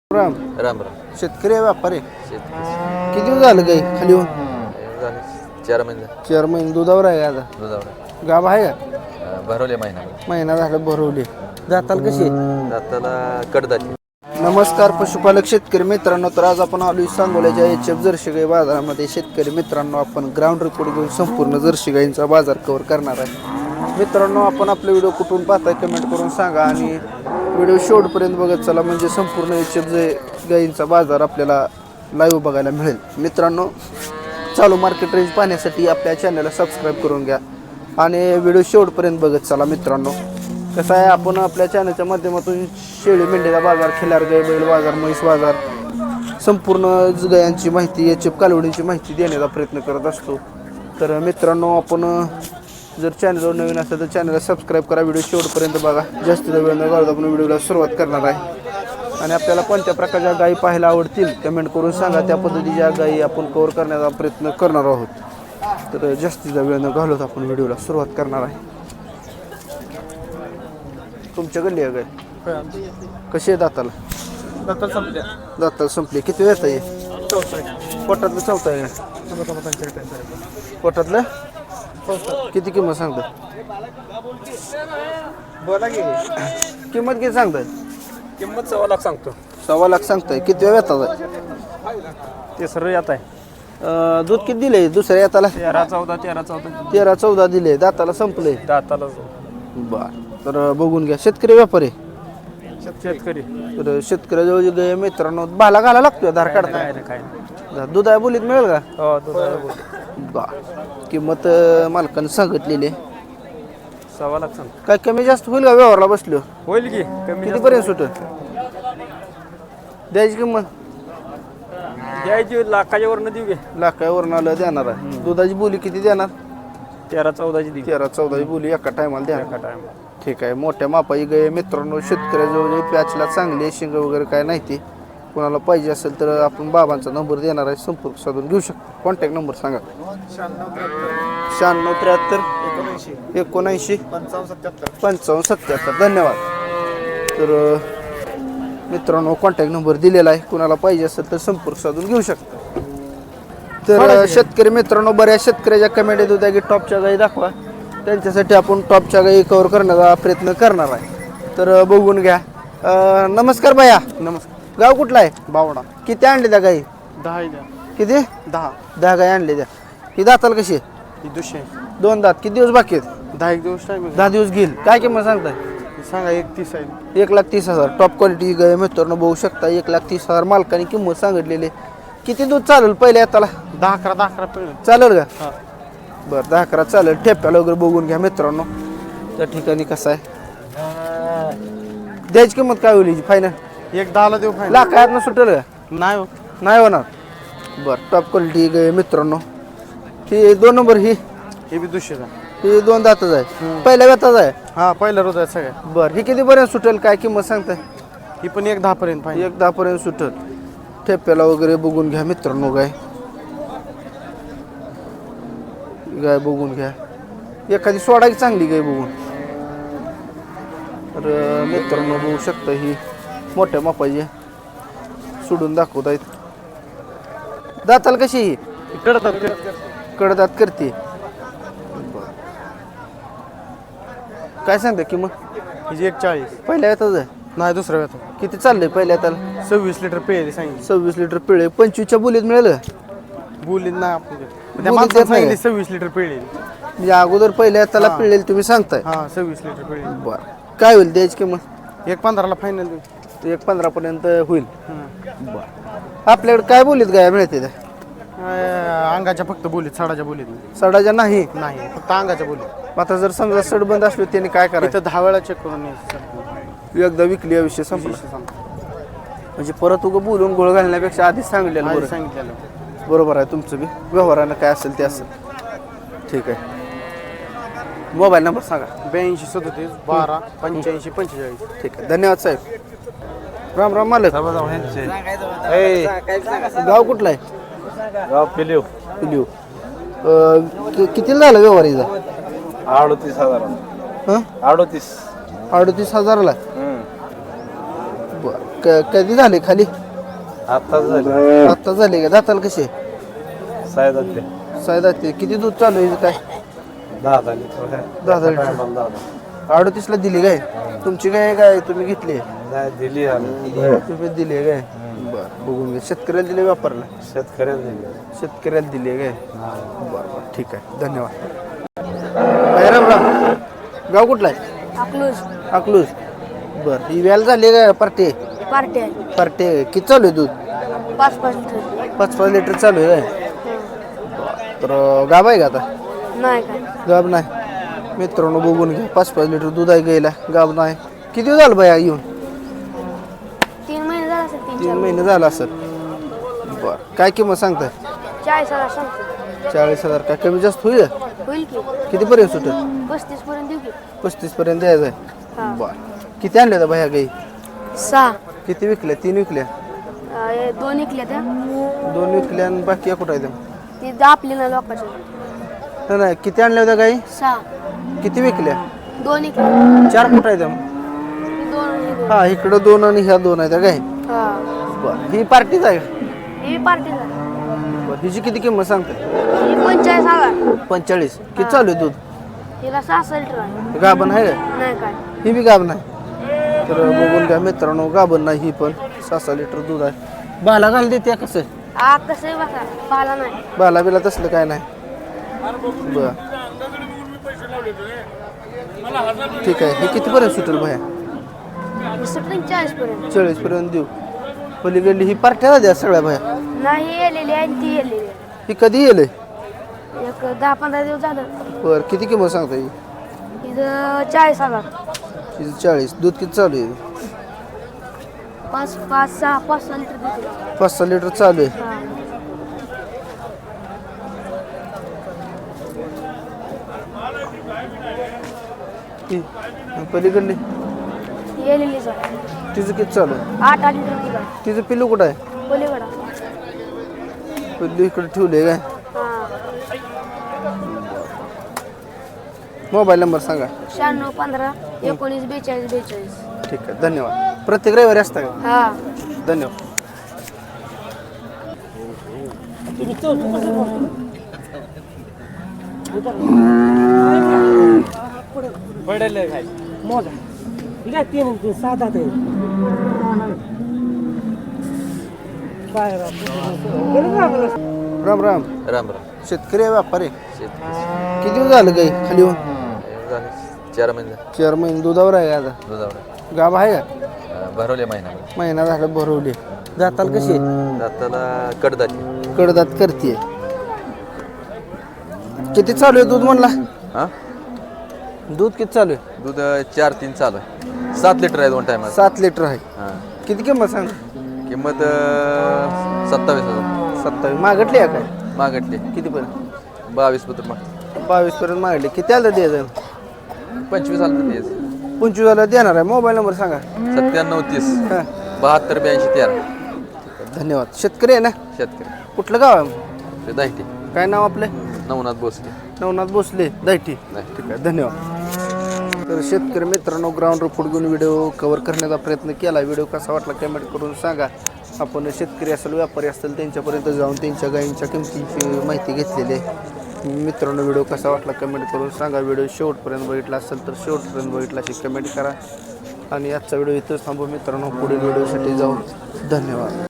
राम राम राम. शेतकरी आहे व्यापारी शेतकरी किती दिवस झालं गाई खाली होऊन झाले 4 महिने झाले. 4 महिने दुधावर आहे आता दुधावर गाभ आहे का भरवले महिना महिना झाला भरवली दाताल कशी दाताला कडदाची. नमस्कार पशुपालक शेतकरी मित्रांनो तर आज आपण आलो सांगोल्याच्या HF जर्सी गाई बाजारामध्ये शेतकरी मित्रांनो आपण ग्राउंड रिपोर्ट घेऊन संपूर्ण जर्सी गाईंचा बाजार कव्हर करणार आहे मित्रांनो आपण आपले व्हिडिओ कुठून पाहताय कमेंट करून सांगा आणि व्हिडिओ शेवटपर्यंत बघत चला म्हणजे संपूर्ण HF गाईंचा बाजार आपल्याला लाईव्ह बघायला मिळेल मित्रांनो चालू मार्केट रेंज पाहण्यासाठी आपल्या चॅनलला सबस्क्राईब करून घ्या आणि व्हिडिओ शेवटपर्यंत बघत चला मित्रांनो कसं आहे आपण आपल्या चॅनलच्या माध्यमातून शेळी मेंढीचा बाजार खिलार गाई बैल बाजार म्हैस बाजार संपूर्ण गायांची माहिती HF कालवडींची माहिती देण्याचा प्रयत्न करत असतो तर मित्रांनो आपण जर चॅनलवर नवीन असेल तर चॅनलला सबस्क्राईब करा व्हिडिओ शेवटपर्यंत बघा जास्तीत वेळ न घालवता आपण व्हिडिओला सुरुवात करणार आहे आणि आपल्याला कोणत्या प्रकारच्या गायी पाहायला आवडतील कमेंट करून सांगा त्या पद्धतीच्या गायी आपण कव्हर करण्याचा प्रयत्न करणार आहोत तर जास्तीचा वेळ न घालवता आपण व्हिडिओला सुरुवात करणार आहे तुमच्या गल्ली आहे गाय कशी आहे दाताला दाताला संपले किती वेळ आहे पोटातलं चौथा आहे पोटातलं किती किंमत सांगता बोला की किंमत किती सांगताय किंमत 1.25 लाख सांगतो 1.25 लाख सांगताय किती वेळ येतात आहे ते सर्व येत आहे दूध किती दिले दुसऱ्या येताला 13-14 दिले दाताला संपले दाताला बर तर बघून घ्या शेतकरी व्यापारी शेतकरी तर शेतकऱ्याजवळ जे गाय मित्रांनो भाला घाला लागतोय धार काढताय काय दूध आहे बोलीत मिळेल का हो दुधाला बर किंमत मालकानं सांगितलेली आहे. 1.25 लाख सांग काय कमी जास्त होईल का व्यवहारला बसलो होईल की कमी कितीपर्यंत सुट द्यायची किंमत द्यायची लाखाच्या वरनं देऊ घे लाखावरून आलं देणार आहे दुधाची बोली किती देणार 13-14 देऊ 13-14 बोली एका टायमाला देणार एका टाइम ठीक आहे मोठ्या मापाची गाय मित्रांनो शेतकऱ्याजवळ पॅचला चांगली शिंग वगैरे काय नाही ते कोणाला पाहिजे असेल तर आपण बाबांचा नंबर देणार आहे संपर्क साधून घेऊ शकतो कॉन्टॅक्ट नंबर सांगा 9673 79 55 77 धन्यवाद तर मित्रांनो कॉन्टॅक्ट नंबर दिलेला आहे कुणाला पाहिजे असेल तर संपर्क साधून घेऊ शकता तर शेतकरी मित्रांनो बऱ्याच शेतकऱ्याच्या कमेंट येत होत्या की टॉपच्या गाई दाखवा त्यांच्यासाठी आपण टॉपच्या गाई कव्हर करण्याचा प्रयत्न करणार आहे तर बघून घ्या नमस्कार भैया नमस्कार गाव कुठला आहे बावडा किती आणले त्या गाई 10 द्या किती 10 गाई आणले त्या ही दाताल कशी आहे? ही 200 2 दात किती दिवस बाकी आहेत 10 दिवस टाइम 10 दिवस घेईल काय किंमत सांगताय सांगा 31 आहे 1,30,000 टॉप क्वालिटी गाय मित्रांनो बघू शकता 1,30,000 मालकाने किंमत सांगितलेली किती दूध चालेल पहिल्या त्याला 10-11 पिळून चालेल का हा बरं 10-11 चालेल ठेप्याला वगैरे बघून घ्या मित्रांनो त्या ठिकाणी कसं आहे द्यायची किंमत काय होईल फायनल 10 देऊ फायनल लाखात सुटेल का नाही हो नाही होणार बरं टॉप क्वालिटी गाय मित्रांनो ही 2 नंबर ही हे बी 200 ही 2 दातच आहे पहिल्या व्यताच आहे हा पहिला रोज आहे सगळ्या बरं ही कितीपर्यंत सुटेल काय किंमत सांगताय ही पण 1.10 पर्यंत फायनल 1,10 पर्यंत सुटेल ठेप्याला वगैरे बघून घ्या मित्रांनो गाय बघून घ्या एखादी सोडाची चांगली गाय बघून तर मित्रांनो बघू शकता ही मोठ्या मापाची सोडून दाखवत आहेत दाताल कशी ही कडदात करते काय सांगता किंमत हिची 1.40 पहिल्या येतात आहे नाही दुसऱ्या वेळा किती चाललंय पहिल्या त्याला 26 लिटर पेय सांगितलं 26 लिटर पिळे 25च्या बोलीत मिळेल का? बोलीत नाही आपण त्या बोलीत माणसाने देत नाही. सांगितले 26 लिटर पेय म्हणजे अगोदर पहिल्या त्याला पिळेल तुम्ही सांगताय हा 26 लिटर पेय बरं काय होईल द्यायची किंमत 1.15 ला फायनल देऊ 1,15 पर्यंत होईल बरं आपल्याकडे काय बोलीत गाय मिळते त्या अंगाच्या फक्त बोलीत साडाच्या बोलीत सडाच्या नाही नाही फक्त अंगाच्या बोलीत आता जर समजा सड बंद असली त्याने काय करायचं इथं 10 वेळा चेक करून यायचं. एकदा विकली या विषय संपला विषय संपला. म्हणजे परत उगं बोलून गोळ घालण्यापेक्षा आधीच सांगितलेलं आधी बरं सांगितलेलं बरोबर आहे तुमचं बी व्यवहारानं काय असेल ते असेल ठीक आहे मोबाईल नंबर सांगा 82 37 12 85 45 ठीक आहे धन्यवाद साहेब राम राम मालक गाव कुठला आहे गाव पिलीव पिलिओ कितीला झाला व्यवहारीचा 38,000 हां 38 38,000ला बरं कधी झाले खाली आत्ताच झालं आत्ता झाले का दाताला कसे सायदातले सायदा किती दूध चालू आहे काय 10 लिटर 10 लिटर 38ला दिली काय तुमची काय काय तुम्ही घेतली नाही दिली तुम्ही दिली आहे काय बरं बघून घे शेतकऱ्याला दिले व्यापारला शेतकऱ्याला दिली शेतकऱ्याला दिली आहे काय बरं बरं ठीक आहे धन्यवाद बाय राम राम गाव कुठला आहे अकलूज अकलूज बरं ही व्याल झाली का पार्टी पार्टी आहे पार्टी किती चालू आहे दूध 5 लिटर 5 लिटर चालू आहे काय तर गाब आहे का आता नाही काय गाब नाही मित्रांनो बघून घ्या 5 लिटर दूध आहे गायला गाब नाही किती दिवस झालं बाया येऊन 3 महिने झाला असेल 3 महिने झाला असेल बरं काय किंमत सांगताय 40,000 सांगतो 40,000 काय कमी जास्त होईल होईल की कितीपर्यंत सुटेल 35 पर्यंत देऊ की 35 पर्यंत द्यायचं आहे हा. बरं किती आणले होता बाया गाई 6 किती विकल्या 3 विकल्या 2 निघल्या त्या 2 विकल्या आणि बाकी कुठं आहे ती दापली ना लोकांच्या नाही नाही किती आणल्या होत्या गाई 6 किती विकल्या 2 निघल्या 4 कुठं आहे त्या 2 हा इकडं 2 आणि ह्या 2 आहेत गाई हा बरं ही पार्टीच आहे ही पार्टीला बरं हिची किती किंमत सांगते ही 45,000 45 किती चालू आहे दूध हिला 6 लिटर आहे गाभण आहे का नाही काय ही बी गाभ नाही तर बघून घ्या मित्रांनो गाभण नाही ही पण 6 लिटर दूध आहे बाला घाल देते कसं हा कसं बसा पाला नाही बाला बिला तसलं काय नाही बर ठीक आहे हे कितीपर्यंत सुटेल भया ही सुटली 40 पर्यंत 40 पर्यंत देऊ पलीकडली ही पार्ट्याला द्या सगळ्या भया नाही येलेली आहे आणि ती येलेली आहे ही कधी येईल एक 10-15 दिवस झालं बर किती किंमत सांगता ही इथं 40,000 हिचं 40 दूध किती चालू आहे 5-6 लिटर देते 5 लिटर चालू आहे हा ही आणि पलीकडली येलेलीच तिचं किती चालू आहे 8 लिटर दिला तिचं पिल्लू कुठं आहे पलीकडा पिल्लू इकडे ठेवले काय हा मोबाईल नंबर सांगा 96-15-19-42 ठीक आहे धन्यवाद प्रत्येक रविवारी असता का हा धन्यवाद राम राम राम राम शेतकरी आहे व्यापारी शेतकरी किती दिवस झालं गाई खाली होऊन झाले 4 महिने 4 महिने दुधावर आहे का आता दुधावर गाभ आहे का भरवले महिन्यामध्ये महिना झाला भरवली दाताल कशी दाताला कडदाची कडदात करते किती चालू आहे दूध म्हणला हा दूध किती चालू आहे दूध 4-3 चालू आहे 7 लिटर आहे 2 टायमाला 7 लिटर आहे हां किती किंमत सांग किंमत 27,000 27 मागटली आहे काय मागटली किती पर्यंत 22 पत्र माग 22 पर्यंत मागटली किती आलं द्यायचं 25 आलं तर द्यायचं 25 आलं देणार आहे मोबाईल नंबर सांगा 97-30 हां 72-82-13 धन्यवाद शेतकरी आहे ना शेतकरी कुठलं गाव आहे ते दाहिटे काय नाव आपलं नवनाथ भोसले नवनाथ भोसले दैठी नाही ठीक आहे धन्यवाद तर शेतकरी मित्रांनो ग्राउंड रिपोर्ट घेऊन व्हिडिओ कव्हर करण्याचा प्रयत्न केला व्हिडिओ कसा वाटला कमेंट करून सांगा आपण शेतकरी असेल व्यापारी असेल त्यांच्यापर्यंत जाऊन त्यांच्या गायींच्या किमतीची माहिती घेतलेली आहे मित्रांनो व्हिडिओ कसा वाटला कमेंट करून सांगा व्हिडिओ शेवटपर्यंत बघितला असेल तर शेवटपर्यंत बघितला अशी कमेंट करा आणि आजचा व्हिडिओ इथंच थांबू मित्रांनो पुढील व्हिडिओसाठी जाऊ धन्यवाद